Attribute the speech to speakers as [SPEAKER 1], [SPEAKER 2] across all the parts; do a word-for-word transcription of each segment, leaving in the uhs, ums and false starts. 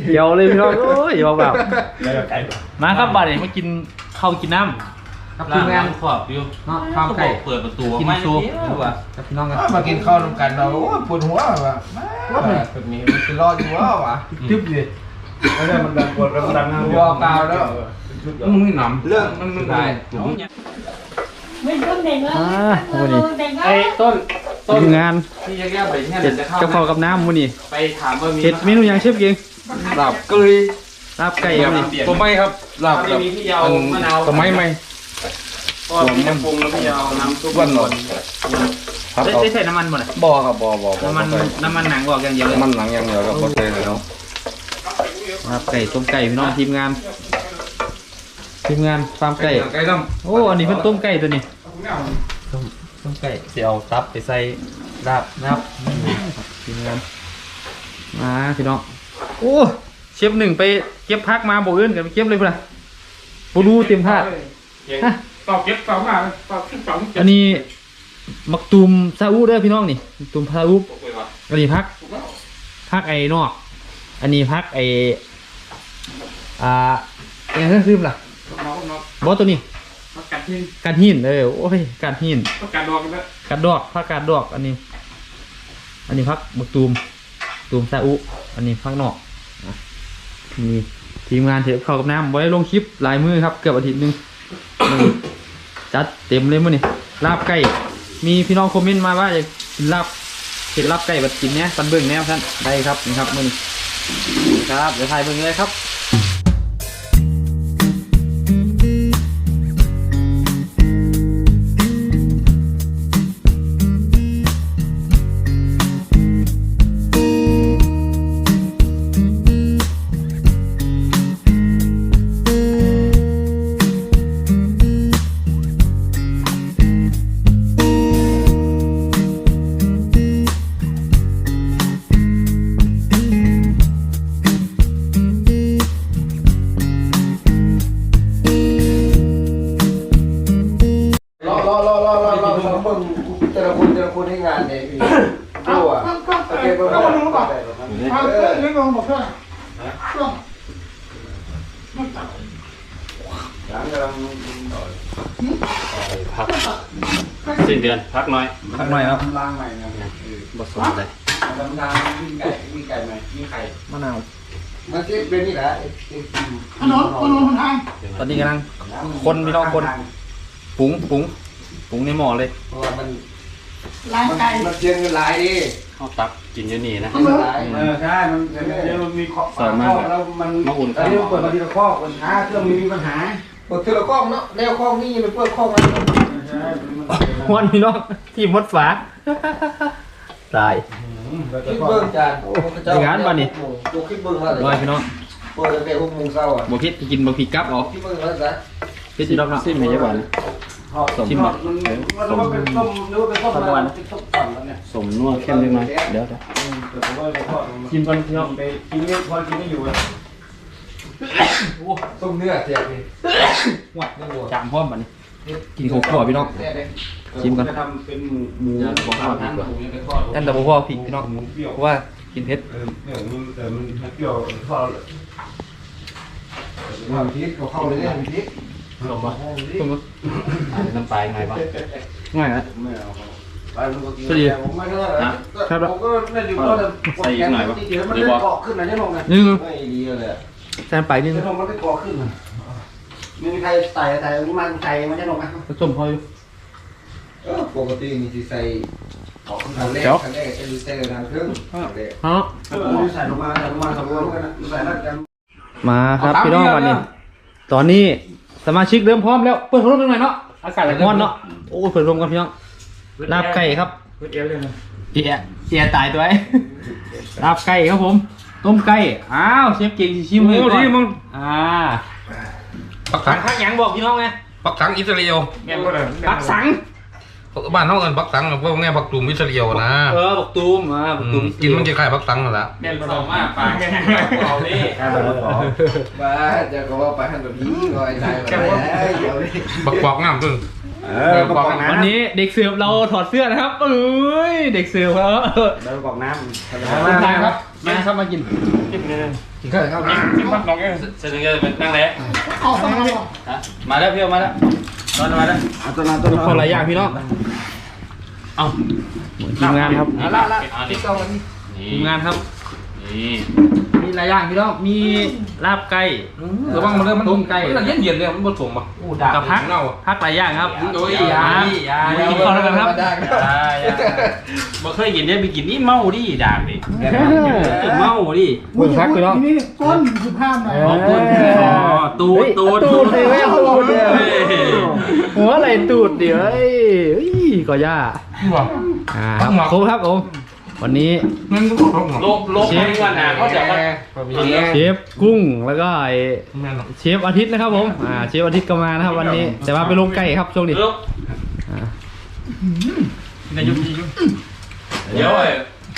[SPEAKER 1] เดี๋ยวเลยพี่น้องโอ้ยอย่าแบบมาครับบัดนี้มากินข้าวกินน้ำครับทีมงานขอบอยู่เนาะข้าวไก่เปิดประตูกินซุปว่ะครับพี่น้องกัน
[SPEAKER 2] มากินข้าวร่วมกันเราโอ้ปวดหัวว่ะแบบนี้มันจะรอดอยู่ว่ะตึ๊บเลยไม่ได้มันดังปวดมันดังนะวอลกาวแล้วมึงไม่หนำเรื่องมันมันได้
[SPEAKER 3] ไม่ต้องเด็กแล้ว
[SPEAKER 1] อ่าวันนี้ไอ้ต้นทีมงานที่แยกๆไปเนี่ยเด็ดกะเพรากับน้ำวันนี้ไปถามว่ามีเห็ดเมนูยังเชฟเก่งลาบเกยลาบไก่ครับนี่ตัวไม่ครับลาบแบบตัวไม่ไม่ก็มีน้ำปรุงแล้วพี่ยาวน้ำซุปวันหนอนได้ใส่น้ำมันบ่ไหนบ่ครับบ่บ่น้ำมันน้ำมันหนังบอกอย่างเดียวน้ำมันหนังอย่างเดียวครับบ่ใส่เลยเนาะลาบไก่ต้มไก่พี่น้องทีมงานทีมงานฟาร์มไก่โอ้อันนี้เป็นต้มไก่ตัวนี้ต้มต้มไก่เสียเอาตับไปใส่ลาบนะครับทีมงานมาพี่น้องโอ้เชฟหนึ่งไปเก็บพักมาบอกเอื้นกันไปเก็บเลยเพื่อนปูรูเตรียมผ้า
[SPEAKER 2] ตอบเก็บตอบมาตอบขึ้นตอบ
[SPEAKER 1] อันนี้มักตูมซาอุเด้อพี่น้องนี่ตูมซาอุอันนี้พักพักไอ้นอกอันนี้พักไอ้อ่าอย่างนั้นคือล่ะบอสตัวนี้กัดหินกัดหินเออโอ้ยกัดหินกัดดอกกันแล้วกัดดอกพักกัดดอกอันนี้อันนี้พักมักตูมตูมซาอุอันนี้พักนอกมีทีมงานเทปเข้ากับน้ำไว้ลงคลิปลายมือครับเกือบอาทิตย์นึงจัดเต็มเลยมั้งนี่ลาบไก่มีพี่น้องคอมเมนต์มาว่าอยากกินลาบเห็ดลาบไก่แบบกินเนี้ยปันเบิ้งแนวท่านได้ครับนี่ครับมื้อนี้ครับเดี๋ยวถ่ายเบิ้งเลยครับ
[SPEAKER 2] แต่ละคนแต่ละคนให้งานเนี่ยพี่ดูอ่ะโอเคก็มาดูก่อนเอาเรื่องนี้ลงบอกเพื่อนช่วงมันตัดหลังกำลัง
[SPEAKER 1] พักสิ้นเดือนพักน้อยพักน้อยครับ
[SPEAKER 2] ล้างใหม่นะ
[SPEAKER 1] บดสดเลย
[SPEAKER 2] ทำทางวิ่งไก่วิ่งไก่ใหม่วิ่งไข่
[SPEAKER 1] มะนาว
[SPEAKER 2] มันที่เป็นนี่แหละ
[SPEAKER 3] ถนนถนนทาง
[SPEAKER 1] ตอนนี้กำลังคนพี่น้องคนปรุงปรุงปรุงในหม้อเลย
[SPEAKER 2] เพราะว่ามัน
[SPEAKER 3] ล้างไก่
[SPEAKER 2] มันเชียงเงินหลายดิ
[SPEAKER 1] ข้าวตักกินอยู่นี่นะ
[SPEAKER 2] เออใช่มันเดี๋ยวมันมีข้อข้อแล้วมัน
[SPEAKER 1] มาอุ่น
[SPEAKER 2] อันนี้เปิดมาทีละข้อปัญหาเครื่องมีปัญหาเปิดทีละข้อเนาะแนวข้อนี่มันเปิดข้อมัน
[SPEAKER 1] วันพี่น้องที่มดฝาตาย
[SPEAKER 2] คิดเบิ้งจาน
[SPEAKER 1] อย่างนั้นป่ะนี่
[SPEAKER 2] ดูคิดเบิ้งว่า
[SPEAKER 1] ลอยพี่น้อง
[SPEAKER 2] เปิดตั้งแต่หกโมงเช้าอ่ะ
[SPEAKER 1] บ่พิษกินบ่พิษกับหรอ
[SPEAKER 2] คิดเบิ้งแล้วจ้ะ
[SPEAKER 1] พิษจีดอกเนาะซิมไม่ใช่หวาน
[SPEAKER 2] ชิมมันมันว่าเป็นต้มหรือว่าเป็นต้มอะไรเป็นต้มปั่นแล้วเนี่ย
[SPEAKER 1] สมนัวเข้มยังไงเดี๋ยวเดี๋ยวกินก่อนพี่น้อง
[SPEAKER 2] ไปกินเนี่ยพอกินไม่อยู่เลยต้มเนื้อเสียดิหวัดเนื้อวัว
[SPEAKER 1] จามพร้อมบัดนี้กินข้าวคั่วพี่น้องชิมกัน
[SPEAKER 2] จะทำเป็นหมู
[SPEAKER 1] ของทอดดีกว่านั่นแต่บ่พอพี่พี่น้องเพราะว่ากินเผ็ด
[SPEAKER 2] เออเนี่ยมันแต่มันเปรี้ยวทอดมันพริกเข้าเลยเนี่ยพริก
[SPEAKER 1] ลงมาลงมาน้ำปลาไงบ้างง่ายนะ
[SPEAKER 2] ไม่เอาไปมันก็กินผมไม่ได้นะผมก็ไม่ดูก็
[SPEAKER 1] ใส่หน่อยบ้าง
[SPEAKER 2] มันได้เกาะขึ้นนะเนี่ยลงไงไม่ดีเลย
[SPEAKER 1] แซมไปนิดนึง
[SPEAKER 2] มันได้เกาะขึ้นไม่มีใครใส่ใส่มันใส่มันจะลงไหม
[SPEAKER 1] ผสมพออยู่
[SPEAKER 2] ปกติมีที่ใส่เกาะขึ้นทางแรกทางแรกจะใส่ทางครึ่ง
[SPEAKER 1] ฮะ
[SPEAKER 2] ใส่ลงมาใส่ลงมาสองรวมกันใส่นัดกัน
[SPEAKER 1] มาครับพี่น้องวันนี้ตอนนี้สมาชิกเริ่มพร้อมแล้วเปิดพัดลมหน่อยเนาะอากาศร้อนเนาะโอ้เปิดลมกันพี่น้องลาบไก่ครับ
[SPEAKER 2] เปิดเอวเลยนะ
[SPEAKER 1] เอียเอียตายตัวไอ้ลาบไก่ครับผมต้มไก่อ้าวเชฟเก่งชิมเลยก่อนอ่าปักสังข้างยังบอกพี่น้องไง
[SPEAKER 4] ปักสังอิสราเอล
[SPEAKER 1] ปักสัง
[SPEAKER 4] บ้านน้องเอิญปักสังพวกนี้ปักตูมอิสราเอลนะ
[SPEAKER 1] เออปักตูมอ่าปักตูม
[SPEAKER 4] กินมันจะคล้ายปักสังนั่นแหละ
[SPEAKER 1] แม่นผสมมากปลาแค่เอาดิ
[SPEAKER 2] บ้าจะก็ว่าไปหันแบบนี้ก็ไอ้ใจแบบเดี๋ยวนี้
[SPEAKER 4] ปักปอกงามตึ้ง
[SPEAKER 1] วันนี้เด็กเสิร์ฟเราถอดเสื้อนะครับเอ้ยเด็กเสิร์ฟครับ
[SPEAKER 2] แล้วกอกน้ำ
[SPEAKER 1] น้ำครับมาครับมากิน
[SPEAKER 2] กินข้าวข้าว
[SPEAKER 4] กินพักน้องเองเสร็จแล้วเป็นนั่งแล้ว
[SPEAKER 3] เอาสมัย
[SPEAKER 1] ฮะมาแล้วพี่เอามาแล้วนอนมาแล้ว
[SPEAKER 2] เอาตัวนั้นตัวนั้น
[SPEAKER 1] คนหลายอย่างพี่น้อง
[SPEAKER 4] เอา
[SPEAKER 1] ทีมงานครับ
[SPEAKER 4] เอาละละนี่
[SPEAKER 1] ทีมงานครับ
[SPEAKER 4] นี่
[SPEAKER 1] มีหลายอย่างพี่น้องมีลาบไก่
[SPEAKER 4] ระวังมันเลยมัน
[SPEAKER 1] ต้มไก่
[SPEAKER 4] มันเย็นเย็นเลยมันผสมอ่ะ
[SPEAKER 1] กับพัก
[SPEAKER 4] เน่า
[SPEAKER 1] พักหลายอย่างครับ
[SPEAKER 4] โอ้ย
[SPEAKER 1] ยา
[SPEAKER 4] ยา
[SPEAKER 1] กินข้าวแล้วกันครับ
[SPEAKER 4] บ่เคยกินเนี่ยไปกินนี่เมาดิด่างดิเมาดิ
[SPEAKER 3] มึงพักไปแล้วนี่ก้นสิบห้าหน่อย
[SPEAKER 1] ขอบคุณ
[SPEAKER 4] ตูดตูด
[SPEAKER 1] ตูดเลยไม่ตูดเลยหัวอะไรตูดเดี๋ยวเอ้ยเอ้ยก็ย่า
[SPEAKER 4] ว่ะ
[SPEAKER 1] อ่าครับครบครับผมวันนี้
[SPEAKER 4] มันก็โลบโลบเชฟว่าน่ะเขาจะมา
[SPEAKER 1] เชฟกุ้งแล้วก็ไอเชฟอาทิตย์นะครับผมอ่าเชฟอาทิตย์ก็มานะครับวันนี้แต่ว่าไปลงไก่ครับช่วงนี้
[SPEAKER 4] เลิก
[SPEAKER 1] อ่า
[SPEAKER 4] ในยุคนี้เดี๋ยวไอ้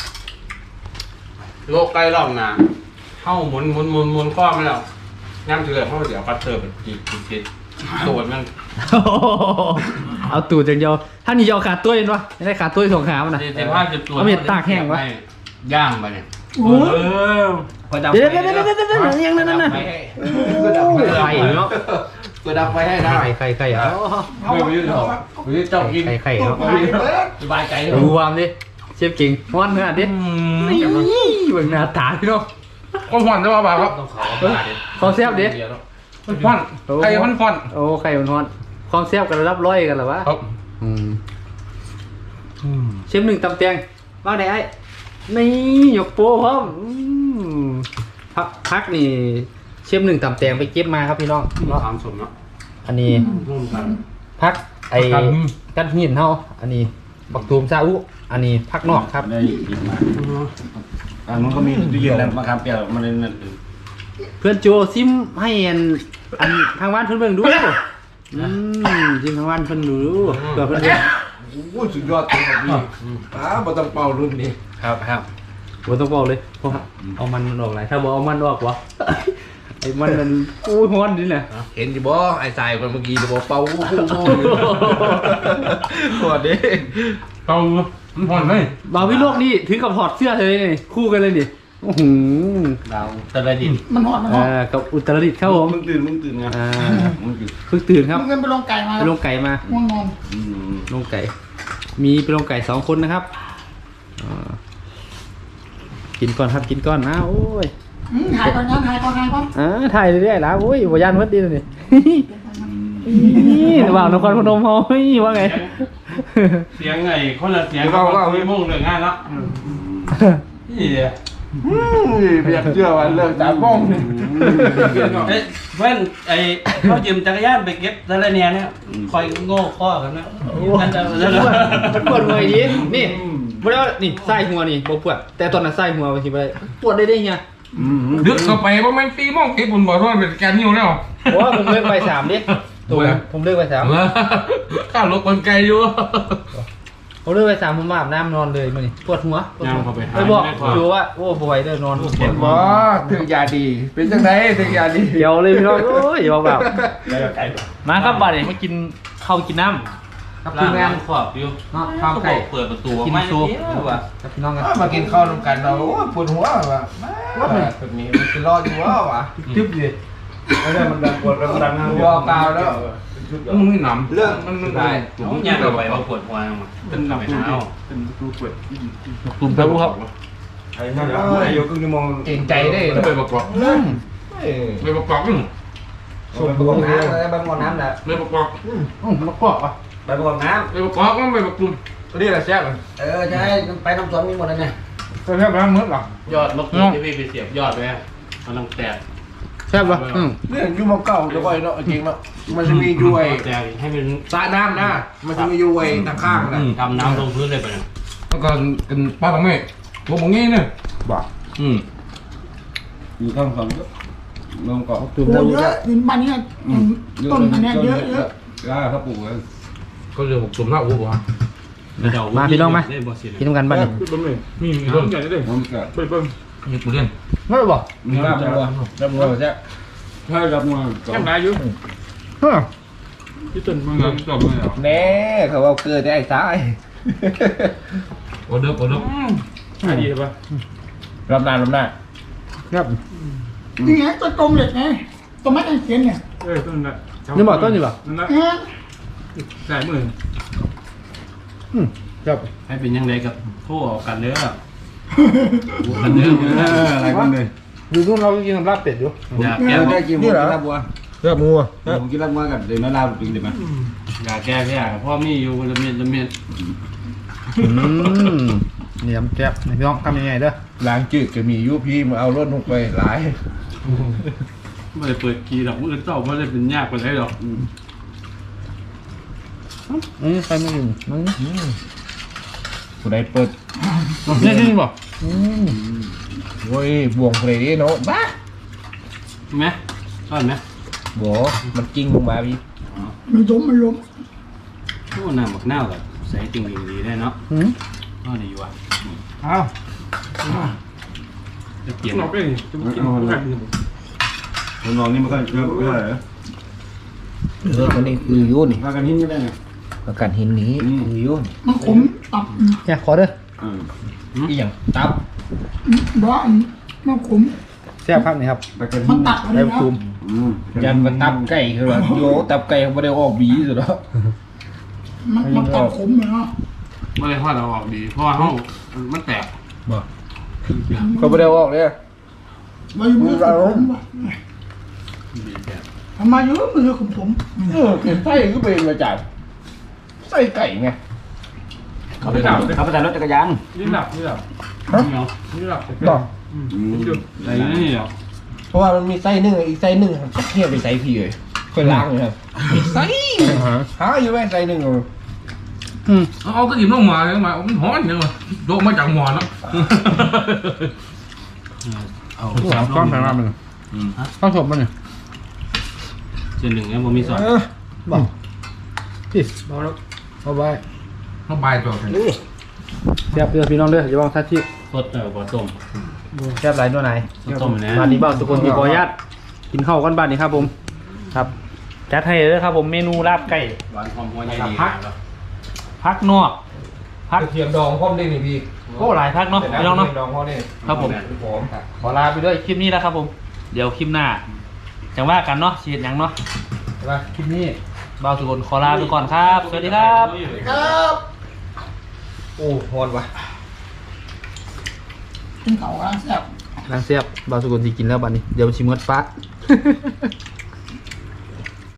[SPEAKER 4] โลกไกลรอบหน้าเข้าหมุนหมุนหมุนหมุนข้อไม่แล้วน้ำเถื่อนเขาเดี๋ยวปัดเติร์ไปจีบจีบตูดมัน
[SPEAKER 1] เอาตูดอย่างเดียวถ้านี่จะเอาขาดตัวเห็นปะไม่ได้ขาดตัวสองขามันนะ
[SPEAKER 4] เจ็บผ้าเจ็บตัว
[SPEAKER 1] เอาเม็ดตากแห้งวะ
[SPEAKER 4] ย่างไปเนี่ย
[SPEAKER 3] โอ้ย
[SPEAKER 1] เดี๋ยวเดี๋ยวเดี๋ยวเดี๋ยวเดี๋ยวยังนั่นนั่นน่ะ
[SPEAKER 2] ก็ดับไฟ
[SPEAKER 1] ไข่เนาะ
[SPEAKER 2] ก็ดับไฟให้ได้
[SPEAKER 1] ไข่ไข่ไข่อ่ะ
[SPEAKER 2] เอาไปยืดหรอยืดเจ้ากิน
[SPEAKER 1] ไข่ไข่ครับ
[SPEAKER 2] สบายใจ
[SPEAKER 1] ดูความดิเชฟเก่งฮ้อนขนาดนี้นี่เบิ่งหน้าตาพี่น้อง
[SPEAKER 4] คนผ่อนได้ป่าวครับ
[SPEAKER 1] ความแซ่บดิ
[SPEAKER 4] มันผ่อนใครมันผ่อน
[SPEAKER 1] โอ้ไข่มันฮ้อนความแซ่บกันระดับร้อยกันเหรอวะ
[SPEAKER 4] ครับ
[SPEAKER 1] อืมเชฟหนึ่งตำแตงว่าไหนไอ้นี่ยกโป้พร้อมอืมพักพักนี่เชฟหนึ่งตำแตงไปเก็บมาครับพี่น้องเนาะ
[SPEAKER 4] ถามสมเนาะ
[SPEAKER 1] อันนี้
[SPEAKER 4] ร่วมกัน
[SPEAKER 1] พักไอ้
[SPEAKER 4] ครับ
[SPEAKER 1] กันหินเฮาอันนี้ปักตูมซาอุอันนี้พักนอกครับ
[SPEAKER 5] ได้ยินมาอันนู้นก็มีตู้เย็นแล้วมะขามเปียกมันเลยนั่น
[SPEAKER 1] เพื่อนโจซิมให้อันอันทางบ้านเพื่อนเบิ่งดูอืมซิมทางบ้านเพื่อนดูเผื่อเพื่อนเบิ่ง
[SPEAKER 2] โอ้สุดยอดเลยครับพี่อ้าบ่ต้องเป่ารุ่นนี้
[SPEAKER 1] ครับครับผมต้องบอกเลยเพราะว่าเอามันออกไหนถ้าบอกเอามันออกวะ ไอ้มันมันอู้ฮ้อนดิแหละ
[SPEAKER 2] เห็นอยู่บ่ไอ้สายคนเมื่อกี้จะบอกเป่าอู้หูสวัสดี
[SPEAKER 4] เตามันผ่อนไหม
[SPEAKER 1] บาวิโลกนี่ถือกับถอดเสื้อเลยนี่คู่กันเลยนี่โอ้โห
[SPEAKER 5] ดาวตะดิน
[SPEAKER 3] มันหอดมันหอ
[SPEAKER 1] อ่า
[SPEAKER 3] ด
[SPEAKER 1] กับอุตรดิตถ์ครับผม
[SPEAKER 5] มึงตื่นมึงตื่นไง
[SPEAKER 1] อ่า
[SPEAKER 5] มึงตื่น
[SPEAKER 1] เพิ่งตื่นครับ
[SPEAKER 3] มึงเงินไปลงไก่มา
[SPEAKER 1] ไปลงไก่มา
[SPEAKER 3] ง่วงนอน
[SPEAKER 5] อืม
[SPEAKER 1] ลงไก่ มีไปลงไก่สองคนนะครับอ่ากินก่อนครับกินก่อนนะโอ้ย
[SPEAKER 3] หายก่อนยังหายก่อนหายก่อน
[SPEAKER 1] อ่าถ่ายเรื่อยๆแล้วโอ้ยบยานวัดดีเลยนี่ นี่ระหว่างนครพนมเฮาเฮ้ยว่าไง
[SPEAKER 4] เสียงไงคนละเสียงเขาก็ไม่มุ่งเลยง่ายแล้วนี่เดียว
[SPEAKER 2] เพียงเชื่อว่าเลิกจากบ้อง
[SPEAKER 4] เอ้ยเว้นไอ้เขายืมจักรยานไปเก็บทะเลเนี่ยเนี่ยคอยโง่ข้อกันนะกันจะ
[SPEAKER 1] มันปวดหัวดีนี่บ่ได้ว่านี่ไส้หัวนี่บ่ปวดแต่ตอนนั้นไส้หัวบางทีบ่ได้ปวดได้ได้เฮีย
[SPEAKER 4] ดึกเข้าไปว่ามันตีมองเก็บบุญบ่เพราะมันเป็นการนิ้วแล้ว
[SPEAKER 1] เพราะว่าผมเลิกไปสามดิตัวผมเลิกไปสาม
[SPEAKER 4] ข้าวลบคนไกลอยู่
[SPEAKER 1] ผมเลิกไปสามผมอาบน้ำนอนเลยมื้อนี้ปวดหัวปวดหัวไปบอกดูว่าโอ้บ่ไหวเด้อนอนปวดหัว
[SPEAKER 2] บ่ถึงยาดี เป็นจังไดถึงยาดี
[SPEAKER 1] เดี๋ยวเลยพี่น้องโอ้ยอย่าแบบมาครับบัดนี้มากินข้าวกินน้ำกับทีมงาน
[SPEAKER 4] ขอบอยู่
[SPEAKER 1] เนาะข้าวไก่
[SPEAKER 4] เปิดประตู
[SPEAKER 1] กิน
[SPEAKER 4] ไม่
[SPEAKER 1] ซุป
[SPEAKER 4] รู้ว่า
[SPEAKER 1] กับพี่น้องกัน
[SPEAKER 2] มากินข้าวนำกันเราโอ้ปวดหัวว่ะแบบนี้มันจะรอดอยู่วะวะ
[SPEAKER 1] ทึบเลย
[SPEAKER 5] ไม่ได้มันดังปวดแล้วมันดังนะ
[SPEAKER 2] วอเปล่าแล้ว
[SPEAKER 4] มึงไม่หนำ
[SPEAKER 2] เรื่อง
[SPEAKER 4] มันมันได้ผมย่างเราไปว่าปวดหัวมาเป็นหนำเท้า
[SPEAKER 1] ตุ่มเต้าครับ
[SPEAKER 5] ไอ้นั่นแหละอยู่ครึ่งชั่วโมง
[SPEAKER 2] เก่งใจได้
[SPEAKER 4] ไปประกอบไปประกอบนึง
[SPEAKER 2] สูบน้ำอะไรบางวันน้ำแหละ
[SPEAKER 4] ไปประกอบ
[SPEAKER 1] อืมมะกอกอ่ะ
[SPEAKER 5] ไปประกอบน้
[SPEAKER 4] ไปประกอบก็ไปประกอบ
[SPEAKER 2] ตัวนี้แหละแซ่บเออใช่ไปน้ำสวนมีหมดเลยเนี่ย
[SPEAKER 1] แซ่บแล้วมื้อหรอย
[SPEAKER 4] อดมะกรูดที่พี่ไปเสียบยอดไว้มันต้องแตก
[SPEAKER 1] แซ่บป่ะอืม
[SPEAKER 2] เรื่องยูมเก่าจะก่อยเนาะจริงเนาะมันจะมียุ้ย
[SPEAKER 4] แตกให้เป็น
[SPEAKER 2] สระน้ำนะมันจะมียุ้ยตะข้างนะ
[SPEAKER 4] ทำน้ำลงพื้นเลยไปเนี่ยแล้วก็กันป้าตรงนี้ตัวมงงี้เนี่ย
[SPEAKER 5] ำบ่า
[SPEAKER 4] อืม
[SPEAKER 5] อยู่ข้างสองลงเกาะ
[SPEAKER 1] ตุ่ม
[SPEAKER 3] โอ้
[SPEAKER 1] เต้า
[SPEAKER 3] เยอะดินบ้านนี้ต้นอันเนี้ยเยอะเยอะ
[SPEAKER 5] กล้าเขาปลูกกัน
[SPEAKER 4] ก็เรือหกตุ่มหน้าอู๋วะ
[SPEAKER 1] มาพี่น้องมากินน้ำกันบ้านนี่
[SPEAKER 4] มีมีเรื่องใหญ่เลย
[SPEAKER 5] ผมก็
[SPEAKER 4] ไปเบิ้งมีกูเล่น
[SPEAKER 1] ไม่ได้บอก
[SPEAKER 5] มีรับมือรับมือใช่ใช่รับมือ
[SPEAKER 4] แค่ไหนอยู่
[SPEAKER 1] เฮ้ย
[SPEAKER 4] ที่ต้นมึงจบเลยเหรอ
[SPEAKER 2] แน่เขาเอาเกลือได้ไอ้สาย
[SPEAKER 4] โอเดิร์ฟโอเดิร์ฟ
[SPEAKER 1] ดีป่ะ
[SPEAKER 5] รับหน้ารับหน้า
[SPEAKER 1] ครับ
[SPEAKER 3] นี่ไงต้นกลมเหล็กไงต้นไม้ตะเคียนเนี่ย
[SPEAKER 2] เออต้นละ
[SPEAKER 1] นี่บอกต้นนี่ป่ะ
[SPEAKER 2] นั่นละ
[SPEAKER 3] เออ
[SPEAKER 2] สายมือ
[SPEAKER 1] อืมครับ
[SPEAKER 4] ให้เป็นยังไงกับโทษกันเด้อกันเด้อ
[SPEAKER 5] เอออะไรกันเลย
[SPEAKER 1] อยู่นู่นเรากินลาบเป็ดอยู่
[SPEAKER 4] อยาก
[SPEAKER 5] แก
[SPEAKER 4] แก้
[SPEAKER 5] ได้กินหมูกินลาบวัว
[SPEAKER 1] ลาบงัว
[SPEAKER 5] ผมกินลาบวัวกับเดี๋ยวน้าลาบจริงเดี๋ยวมา
[SPEAKER 4] อยากแก้แค่พ่อมีอยู่ละเมียดละเมียด
[SPEAKER 1] อืมนี่ยำแซ่บนี่พี่น้องทำยังไงเด้อ
[SPEAKER 5] ล้างจืดก็มียูพีมาเอารถลงไปหลาย
[SPEAKER 4] ไม่ได้เปิดกีดอกมือเจ้าไม่ได้เป็นยากกว่าไหนหรอก
[SPEAKER 1] อืมใครไม่กินมัน
[SPEAKER 5] ผู้ใดเปิด
[SPEAKER 1] นี่กินป่ะ
[SPEAKER 5] โอ้ยบวงเพลย์เนาะบ้า
[SPEAKER 4] ไหมชอบไหม
[SPEAKER 5] บอมันจริงลงมาพี่
[SPEAKER 3] มันล้มมันล้ม
[SPEAKER 4] โอ้น้ำบักหน้าแบบใส่จริงดีได้เนาะ
[SPEAKER 1] อืม
[SPEAKER 4] ก็ดีว่ะ
[SPEAKER 1] อ้าว
[SPEAKER 4] จะเปลี่ยน
[SPEAKER 2] เราเป็นจะกินกัน
[SPEAKER 5] คนนอนนี่มันก็เยอะเยอะเลย
[SPEAKER 6] เออคนนี้คือยุ่น
[SPEAKER 5] มากันหินก็ได้ไง
[SPEAKER 6] ประกันหินนี้คือยุ่น
[SPEAKER 3] มันขมตับ
[SPEAKER 1] เนี่ยขอเด้อ
[SPEAKER 5] อืมอีหยังตับ
[SPEAKER 3] บ้ามันขม
[SPEAKER 1] แซ่บครับนี่ครับ
[SPEAKER 5] ไปกัน
[SPEAKER 3] มั
[SPEAKER 5] หิ
[SPEAKER 3] น
[SPEAKER 5] น
[SPEAKER 3] ตัดอะไร
[SPEAKER 1] ได้
[SPEAKER 3] นะ
[SPEAKER 1] ซูม
[SPEAKER 5] อืมยันมาตับไก่คือว่าโยตับไก่เขาไม่ได้ออกบีสุดแล้ว
[SPEAKER 3] มันมันตัดขมเลยเนาะ
[SPEAKER 4] ไม่ได้ทอดเราออกดี เพราะว่าเขามันแตก
[SPEAKER 5] เขาไม่ได้ออกเลย
[SPEAKER 3] มาอยู่มือขมว่ะ
[SPEAKER 4] ดีแตก
[SPEAKER 3] ทำมาอยู่มือขมผม
[SPEAKER 5] เออคือไส้ก็เป็นมาจากไส้ไก่ไง
[SPEAKER 2] เขาไปดับ
[SPEAKER 6] เขาไปแต่รถจักรยาน
[SPEAKER 2] นี่ดับนี่ดับ
[SPEAKER 4] เนาะ
[SPEAKER 2] นี่ดับ
[SPEAKER 5] ต่อ
[SPEAKER 4] อะไรนี่เหรอ
[SPEAKER 5] เพราะว่ามันมีไส้หนึ่งอีกไส้หนึ่งจะเทียบไปไส้พี่เลยค่อยล้างเลยครับอีกไส้หาอยู่แม่ไส้หนึ่ง
[SPEAKER 1] อืม
[SPEAKER 2] เอาก็หยิบลงมาเลยมามันฮ้อนยังไงโดนมาจากหมอนแล้ว
[SPEAKER 4] เอา
[SPEAKER 1] สามก้อนไปมามัน
[SPEAKER 4] อืมฮะ
[SPEAKER 1] ข้าวสมมันเนี่ย
[SPEAKER 4] เจนหนึ่งเนี่ยผมมีสอน
[SPEAKER 1] บอกพี่เอาแล้วเอาไว้
[SPEAKER 2] เขาใบตัวกัน
[SPEAKER 1] แซ่บเด้อพี่น้องเด้ออย่าบอกทัดที่
[SPEAKER 4] สดเออบ่ต้ม
[SPEAKER 1] แซ่บหลายตัวไหน
[SPEAKER 4] สดต้มนะ
[SPEAKER 1] บ้านนี้บ้านทุกคนมีขออนุญาตกินข้าวกันบ้านนี้ครับผมครับจัดให้เลยครับผมเมนูลาบไก่
[SPEAKER 4] หวานหอมหัวใหญ่ดี
[SPEAKER 1] พักนอกพัก
[SPEAKER 5] เทียมดองพร้อมได้ไหมพี่
[SPEAKER 1] โอ้หลายพักเนาะพี่น้องเนาะ
[SPEAKER 5] ดองพร้อมได้
[SPEAKER 1] ครับผม
[SPEAKER 5] ผม
[SPEAKER 1] ขอลาไปด้วยคลิปนี้แล้วครับผม เดี๋ยวคลิปหน้าจังว่ากันเนาะเชียร์ยังเนาะใช่ปะคลิปนี้บ่าวสุกลขอลาไปก่อนครับ สวัสดีครับ
[SPEAKER 3] ครับ
[SPEAKER 5] โอ้ฮอนวะ
[SPEAKER 3] กินเขาอ่ะแซ่บ
[SPEAKER 1] นางเสียบบ่าวสุกลที่กินแล้วบัดนี้ เดี๋ยวชิมเมดฟ้า